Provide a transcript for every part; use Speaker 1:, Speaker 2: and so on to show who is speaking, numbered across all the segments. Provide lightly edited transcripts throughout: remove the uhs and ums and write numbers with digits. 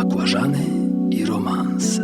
Speaker 1: Bakłażany i romanse.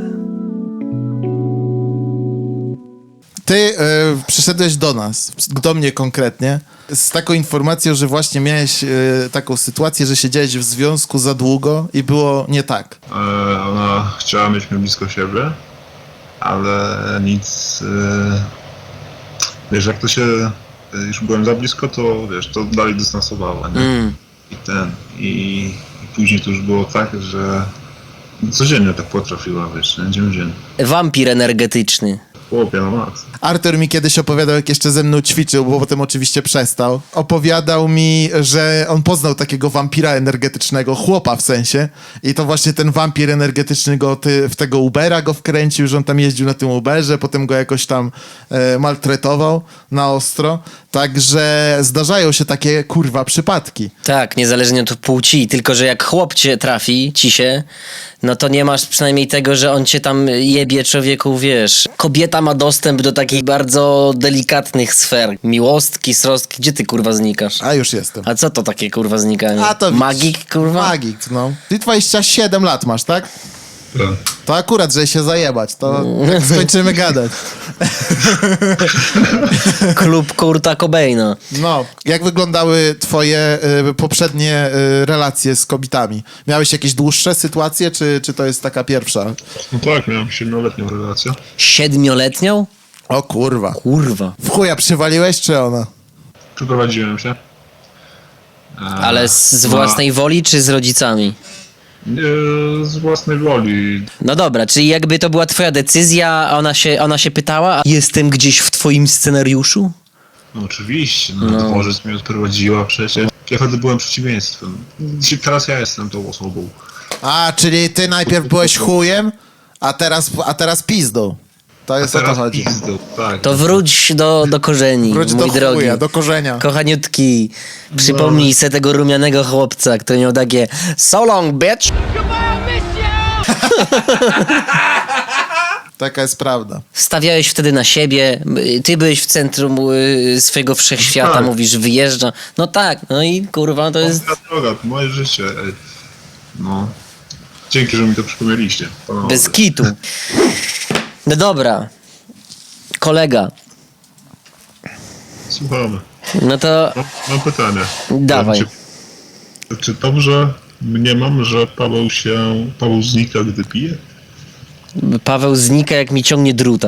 Speaker 2: Ty przyszedłeś do nas, do mnie konkretnie, z taką informacją, że właśnie miałeś taką sytuację, że siedziałeś w związku za długo i było nie tak.
Speaker 3: Ona chciała mieć mnie blisko siebie, ale nic... Wiesz, jak to się... Już byłem za blisko, to wiesz, to dalej dystansowała, nie? I później to już było tak, że codziennie tak potrafiła, wiesz, nie? Dzień.
Speaker 4: Wampir energetyczny.
Speaker 3: Chłopie, no max.
Speaker 2: Artur mi kiedyś opowiadał, jak jeszcze ze mną ćwiczył, bo potem oczywiście przestał. Opowiadał mi, że on poznał takiego wampira energetycznego, chłopa w sensie. I to właśnie ten wampir energetyczny go w tego Ubera go wkręcił, że on tam jeździł na tym Uberze, potem go jakoś tam maltretował na ostro. Także zdarzają się takie, kurwa, przypadki.
Speaker 4: Tak, niezależnie od płci, tylko że jak chłop cię trafi, no to nie masz przynajmniej tego, że on cię tam jebie, człowieku, wiesz. Kobieta ma dostęp do takich bardzo delikatnych sfer. Miłostki, srostki, gdzie ty, kurwa, znikasz?
Speaker 2: A już jestem.
Speaker 4: A co to takie, kurwa, znikanie?
Speaker 2: A to
Speaker 4: Magik, kurwa?
Speaker 2: Magik, no. Ty 27 lat masz, tak?
Speaker 3: Tak.
Speaker 2: To akurat, żeby się zajebać, to jak skończymy gadać.
Speaker 4: Klub Kurta Cobaina.
Speaker 2: No, jak wyglądały twoje poprzednie relacje z kobietami? Miałeś jakieś dłuższe sytuacje, czy to jest taka pierwsza?
Speaker 3: No tak, miałem 7-letnią relację.
Speaker 4: 7-letnią?
Speaker 2: O kurwa.
Speaker 4: Kurwa.
Speaker 2: W chuja przywaliłeś, czy ona?
Speaker 3: Przeprowadziłem się.
Speaker 4: Ale z własnej woli, czy z rodzicami?
Speaker 3: Z własnej woli.
Speaker 4: No dobra, czyli jakby to była twoja decyzja, a ona się pytała, a jestem gdzieś w twoim scenariuszu?
Speaker 3: No oczywiście, no. Dworzec mnie odprowadziła przecież. Ja wtedy byłem przeciwieństwem. Teraz ja jestem tą osobą.
Speaker 2: A, czyli ty najpierw byłeś chujem, a teraz pizdą. To jest o to chodzi.
Speaker 3: Pizdą, tak.
Speaker 4: To wróć do korzeni,
Speaker 2: Wróć
Speaker 4: mój
Speaker 2: do
Speaker 4: drogi.
Speaker 2: chuja, do korzenia.
Speaker 4: Kochaniutki, przypomnij se tego rumianego chłopca, który miał takie "So long, bitch!"
Speaker 2: Taka jest prawda.
Speaker 4: Stawiałeś wtedy na siebie, ty byłeś w centrum swojego wszechświata,
Speaker 3: Tak.
Speaker 4: mówisz, wyjeżdża. No tak, no i kurwa, to jest...
Speaker 3: Moja droga, to moje życie. No. Dzięki, że mi to przypomnieliście. Panowie.
Speaker 4: Bez kitu. No dobra. Kolega.
Speaker 3: Słuchamy.
Speaker 4: No to
Speaker 3: Mam pytanie.
Speaker 4: dawaj.
Speaker 3: Czy dobrze mniemam, że Paweł znika, gdy pije?
Speaker 4: Paweł znika, jak mi ciągnie druta.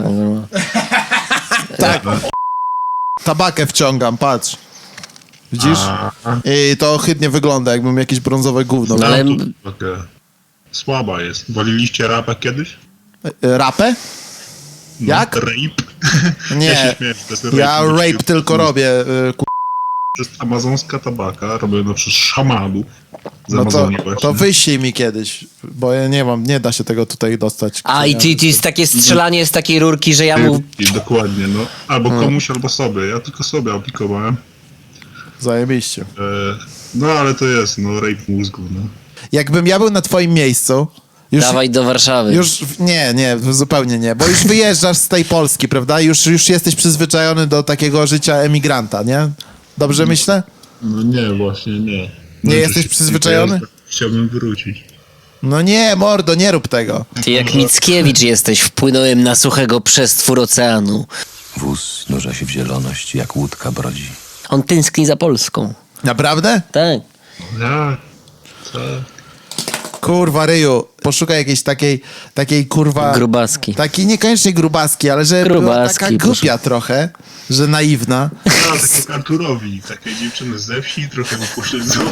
Speaker 2: Tak. Tabakę wciągam, patrz. Widzisz? I to ohydnie wygląda, jakbym jakieś brązowe gówno.
Speaker 4: No ale-
Speaker 3: Takie słaba jest. Waliliście rapę kiedyś?
Speaker 2: Rapę?
Speaker 3: No,
Speaker 2: Jak?
Speaker 3: Rape?
Speaker 2: Nie.
Speaker 3: Ja się śmieję, że to jest rape.
Speaker 2: Ja rape tylko robię.
Speaker 3: To jest amazonska tabaka, robiona przez szamanów z
Speaker 2: No
Speaker 3: Amazonii właśnie.
Speaker 2: to wyślij mi kiedyś, bo ja nie da się tego tutaj dostać.
Speaker 4: A i ty jest takie strzelanie z takiej rurki, że ja mu...
Speaker 3: I dokładnie, no. Albo komuś, albo sobie. Ja tylko sobie aplikowałem.
Speaker 2: Zajebiście.
Speaker 3: No ale to jest, no, rape mózgu, no.
Speaker 2: Jakbym ja był na twoim miejscu,
Speaker 4: Dawaj do Warszawy.
Speaker 2: nie, zupełnie nie, bo już wyjeżdżasz z tej Polski, prawda? Już jesteś przyzwyczajony do takiego życia emigranta, nie? Dobrze myślę?
Speaker 3: No nie, właśnie nie.
Speaker 2: Nie jesteś przyzwyczajony?
Speaker 3: Chciałbym wrócić.
Speaker 2: No nie, mordo, nie rób tego.
Speaker 4: Ty jak Mickiewicz jesteś, wpłynąłem na suchego przestwór oceanu.
Speaker 1: Wóz nurza się w zieloność, jak łódka brodzi.
Speaker 4: On tęskni za Polską.
Speaker 2: Naprawdę?
Speaker 4: Tak.
Speaker 3: Ja, co?
Speaker 2: Kurwa, Ryju, poszukaj jakiejś takiej kurwa...
Speaker 4: Grubaski.
Speaker 2: Takiej niekoniecznie grubaski, ale że była
Speaker 4: Grubaski,
Speaker 2: taka głupia trochę, że naiwna.
Speaker 3: Ja, tak jak Arturowi, takiej dziewczyny ze wsi, trochę upośledzonej.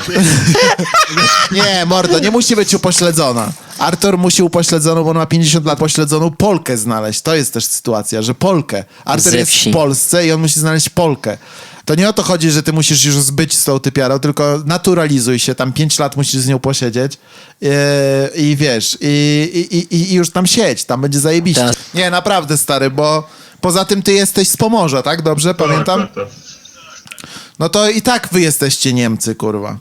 Speaker 2: Nie, mordo, nie musi być upośledzona. Artur musi upośledzoną, bo on ma 50 lat, pośledzoną Polkę znaleźć. To jest też sytuacja, że Polkę. Artur
Speaker 4: Ze
Speaker 2: jest
Speaker 4: wsi.
Speaker 2: w Polsce i on musi znaleźć Polkę. To nie o to chodzi, że ty musisz już zbyć z tą typiarą, tylko naturalizuj się, tam 5 lat musisz z nią posiedzieć i wiesz, i już tam siedź, tam będzie zajebiście.
Speaker 4: Tak.
Speaker 2: Nie, naprawdę, stary, bo poza tym ty jesteś z Pomorza, tak? Dobrze, pamiętam?
Speaker 3: Tak.
Speaker 2: No to i tak wy jesteście Niemcy, kurwa.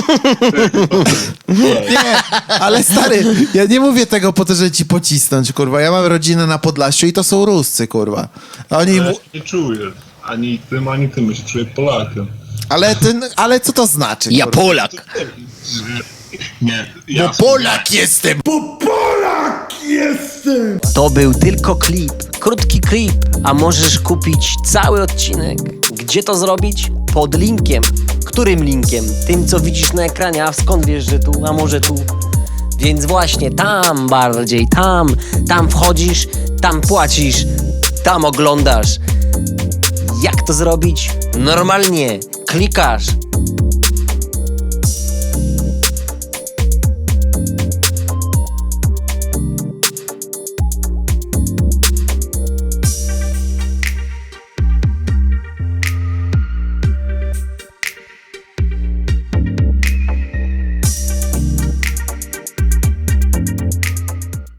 Speaker 2: Nie, ale stary, ja nie mówię tego po to, żeby ci pocisnąć, kurwa. Ja mam rodzinę na Podlasiu i to są Ruscy, kurwa. Oni...
Speaker 3: Ja się nie czuję. Ani tym, ja się czuję Polakiem.
Speaker 2: Ale co to znaczy?
Speaker 4: Ja
Speaker 2: kurwa?
Speaker 4: Polak.
Speaker 3: Nie,
Speaker 2: Bo
Speaker 3: ja
Speaker 2: Polak jestem! Bo Polak jestem!
Speaker 4: To był tylko klip, krótki klip, a możesz kupić cały odcinek. Gdzie to zrobić? Pod linkiem. Którym linkiem? Tym, co widzisz na ekranie, a skąd wiesz, że tu, a może tu? Więc właśnie tam bardziej, tam wchodzisz, tam płacisz, tam oglądasz. Jak to zrobić? Normalnie klikasz